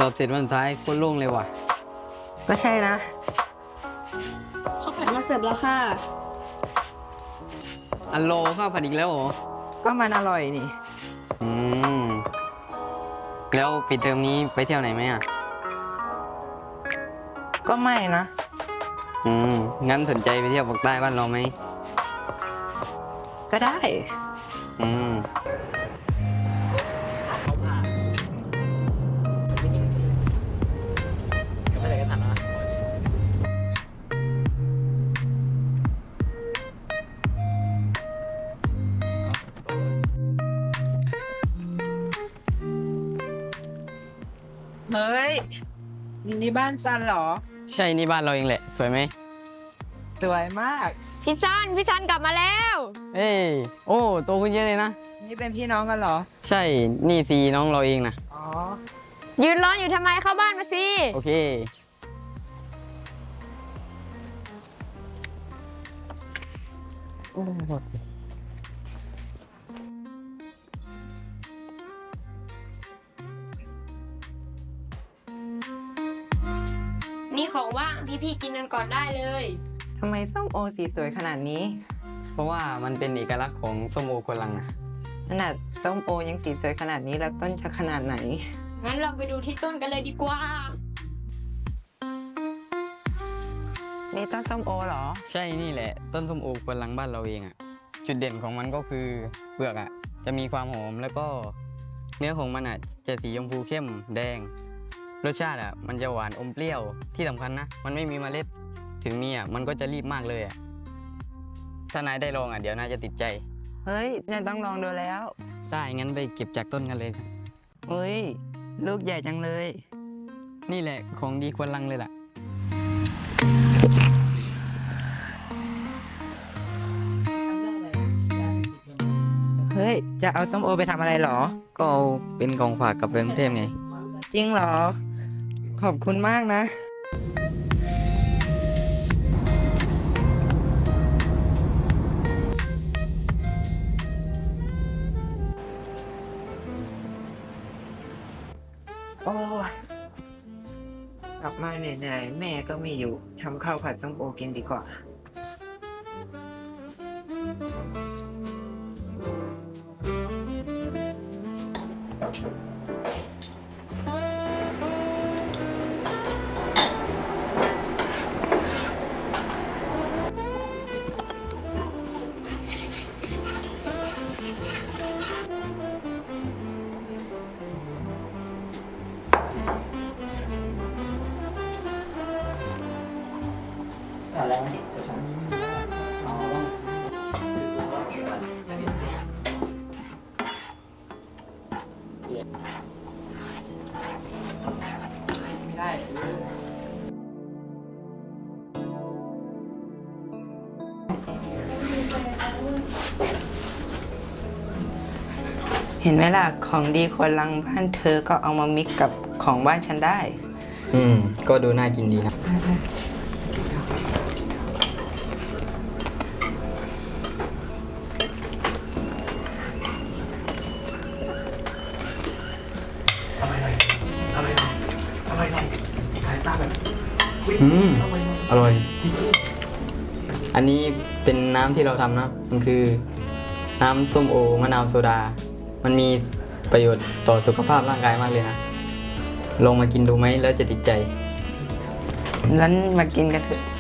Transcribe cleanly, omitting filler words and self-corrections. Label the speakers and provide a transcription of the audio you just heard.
Speaker 1: อบเสร็จวันสุดท้ายโคตรโล่งเลยว่ะ
Speaker 2: ก็ใช่นะ
Speaker 3: ข้าวผัดมาเสิร์ฟแล้วค่ะ
Speaker 1: อันโลข้าวผัดอีกแล้วเหรอ
Speaker 2: ก็มันอร่อยนี่
Speaker 1: อืม แล้วปิดเทอมนี้ไปเที่ยวไหนไหมอ่ะ
Speaker 2: ก็ไม่นะ
Speaker 1: งั้นสนใจไปเที่ยวภาคใต้บ้านเราไหม
Speaker 2: ก็ได้
Speaker 1: อืม
Speaker 2: เฮ้ย นี่บ้านซันเหรอ
Speaker 1: ใช่นี่บ้านเราเองแหละ สวยไหม
Speaker 2: สวยมาก
Speaker 3: พี่ซันกลับมาแล้ว
Speaker 1: เอ้ยโอ้โตขึ้นเยอะเลยนะ
Speaker 2: นี่เป็นพี่น้องกันเหรอ
Speaker 1: ใช่ นี่ซีน้องเราเองนะ
Speaker 2: อ๋อ
Speaker 3: ยืนร้อนอยู่ทำไมเข้าบ้านมาสิ
Speaker 1: โอเค
Speaker 3: นี่ของว่างพี่กินกันก่อนได้เลย
Speaker 2: ทำไมส้มโอสีสวยขนาดนี้
Speaker 1: เพราะว่ามันเป็นเอกลักษณ์ของส้มโอควนลังนะ
Speaker 2: ขนาดส้มโอยังสีสวยขนาดนี้แล้วต้นจะขนาดไหน
Speaker 3: งั้นเราไปดูที่ต้นกันเลยดีกว่า
Speaker 2: นี่ต้นส้มโอเหรอ
Speaker 1: ใช่นี่แหละ ต้นส้มโอควนลังบ้านเราเองอ่ะ จุดเด่นของมันก็คือเปลือกอ่ะ จะมีความหอมแล้วก็เนื้อของมันอ่ะจะสีชมพูเข้มแดง รสชาติอ่ะมันจะหวานอมเปรี้ยวที่สำคัญนะ มันไม่มีเมล็ด ถึงมีอ่ะมันก็จะรีบมากเลยอ่ะ ถ้านายได้ลองอ่ะเดี๋ยวนายจะติดใจ
Speaker 2: เฮ้ยเนี่ยต้องลองดูแล้ว
Speaker 1: ใช่งั้นไปเก็บจากต้นกันเลย
Speaker 2: เฮ้ย ลูกใหญ่จังเลย
Speaker 1: นี่แหละของดีควนลังเลยล่ะ
Speaker 2: เฮ้ย จะเอาส้มโอไปทำอะไรเหรอ
Speaker 1: ก็เอาเป็นของฝากกับกรุงเทพไง
Speaker 2: จริงเหรอ ขอบคุณมากนะ โอ้ยกลับมาเหนื่อยๆแม่ก็ไม่อยู่ ทำข้าวผัดส้มโอกินดีกว่า
Speaker 4: อะไรไหมจะฉันอ๋อไม่ได้
Speaker 2: เห็นไหมล่ะ ของดีคนลังบ้านเธอก็เอามามิกกับของบ้านฉันได้
Speaker 1: ก็ดูน่ากินดีนะ อร่อย อันนี้เป็นน้ำที่เราทำนะ มันคือน้ำส้มโอมะนาวโซดา มันมีประโยชน์ต่อสุขภาพร่างกายมากเลยนะ ลองมากินดูไหมแล้วจะติดใจ
Speaker 2: งั้นมากินกันเถอะ